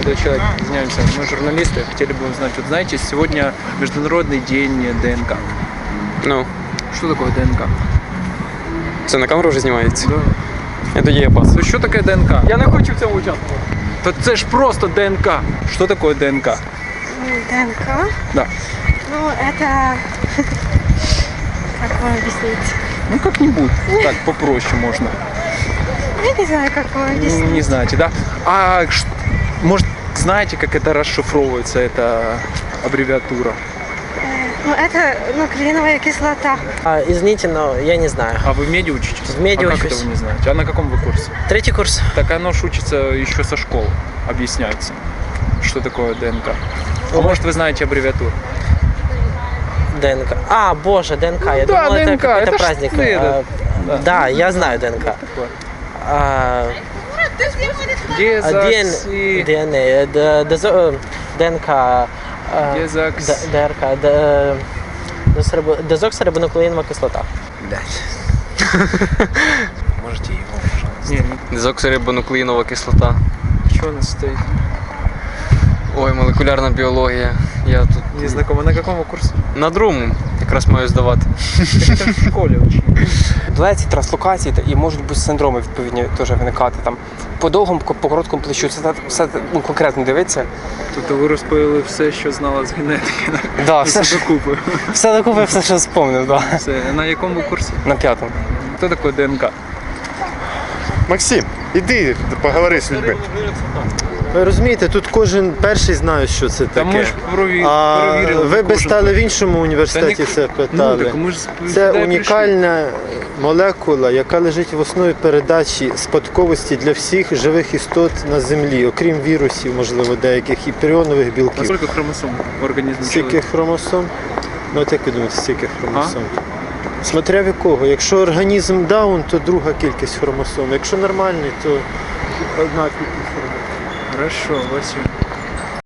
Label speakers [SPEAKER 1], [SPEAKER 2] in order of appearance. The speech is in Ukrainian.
[SPEAKER 1] молодой человек, извиняемся, мы журналисты, хотели бы узнать, вот знаете, сегодня Международный день ДНК.
[SPEAKER 2] Ну,
[SPEAKER 1] Что такое ДНК?
[SPEAKER 2] це на камеру вже знімається?
[SPEAKER 1] Да.
[SPEAKER 2] Я тоді є пас.
[SPEAKER 1] То що таке ДНК?
[SPEAKER 2] Я не хочу в цьому участвувати.
[SPEAKER 1] То це ж просто ДНК. Что такое ДНК?
[SPEAKER 3] ДНК?
[SPEAKER 1] Да.
[SPEAKER 3] Ну, это... Как вам объяснить?
[SPEAKER 1] Ну как-нибудь, так попроще можно.
[SPEAKER 3] Я не знаю, как вам объяснить.
[SPEAKER 1] Не знаете, да? А может, знаете, как это расшифровывается, эта аббревиатура?
[SPEAKER 3] Ну, это нуклеиновая кислота.
[SPEAKER 4] Извините, но я не знаю.
[SPEAKER 1] А вы в меди учитесь?
[SPEAKER 4] В меди
[SPEAKER 1] а как
[SPEAKER 4] учусь.
[SPEAKER 1] это вы не знаете? А на каком вы курсе?
[SPEAKER 4] 3-й курс.
[SPEAKER 1] Так оно ж учится еще со школы, объясняется, что такое ДНК. А может, вы знаете аббревиатуру?
[SPEAKER 4] ДНК. А, боже, ДНК. Я
[SPEAKER 1] да,
[SPEAKER 4] думал,
[SPEAKER 1] ДНК,
[SPEAKER 4] это какой-то
[SPEAKER 1] это ж
[SPEAKER 4] праздник.
[SPEAKER 1] это, да.
[SPEAKER 4] Да, я знаю ДНК.
[SPEAKER 1] Дезокси...
[SPEAKER 4] ДНК. ДНК.
[SPEAKER 1] Дезокс...
[SPEAKER 4] ДРК. Дезоксирибонуклеинова кислота.
[SPEAKER 1] Можете его, пожалуйста. Не,
[SPEAKER 2] Дезоксирибонуклеїнова кислота.
[SPEAKER 1] что у нас стоит?
[SPEAKER 2] Ой, молекулярна біологія. Я тут
[SPEAKER 1] Не знакомо. На каком курсе?
[SPEAKER 2] на другому якраз маю здавати.
[SPEAKER 1] Это в школе учили.
[SPEAKER 5] Дуалеції, транслокації і можуть бути синдроми відповідні теж виникати. Там по довгому, по короткому плечу. Це все конкретно дивиться.
[SPEAKER 1] Тобто ви розповіли все, що знала з генетики.
[SPEAKER 5] Да, все
[SPEAKER 1] докупи.
[SPEAKER 5] все докупи, все, що спомнив, да.
[SPEAKER 1] Все. На якому курсі?
[SPEAKER 5] На 5-му.
[SPEAKER 1] Хто такий ДНК?
[SPEAKER 6] Максим, іди поговори з людьми.
[SPEAKER 7] Ви розумієте, тут кожен перший знає, що це
[SPEAKER 1] Та ми
[SPEAKER 7] таке.
[SPEAKER 1] ж
[SPEAKER 7] А
[SPEAKER 1] перевірили.
[SPEAKER 7] ви би стали в іншому університеті
[SPEAKER 1] Та ні-
[SPEAKER 7] це
[SPEAKER 1] Ну,
[SPEAKER 7] питали.
[SPEAKER 1] так ми ж
[SPEAKER 7] Це
[SPEAKER 1] сюди прийшли.
[SPEAKER 7] унікальна молекула, яка лежить в основі передачі спадковості для всіх живих істот на землі, окрім вірусів, можливо, деяких і пріонових білків.
[SPEAKER 1] Скільки хромосом в організмі
[SPEAKER 7] Стільки
[SPEAKER 1] чоловіка?
[SPEAKER 7] хромосом? Ну от як ви думаєте, стільки хромосом? Смотря в якого. Якщо організм даун, то друга кількість хромосом. Якщо нормальний, то одна кількість хромосом.
[SPEAKER 1] Хорошо, Василь.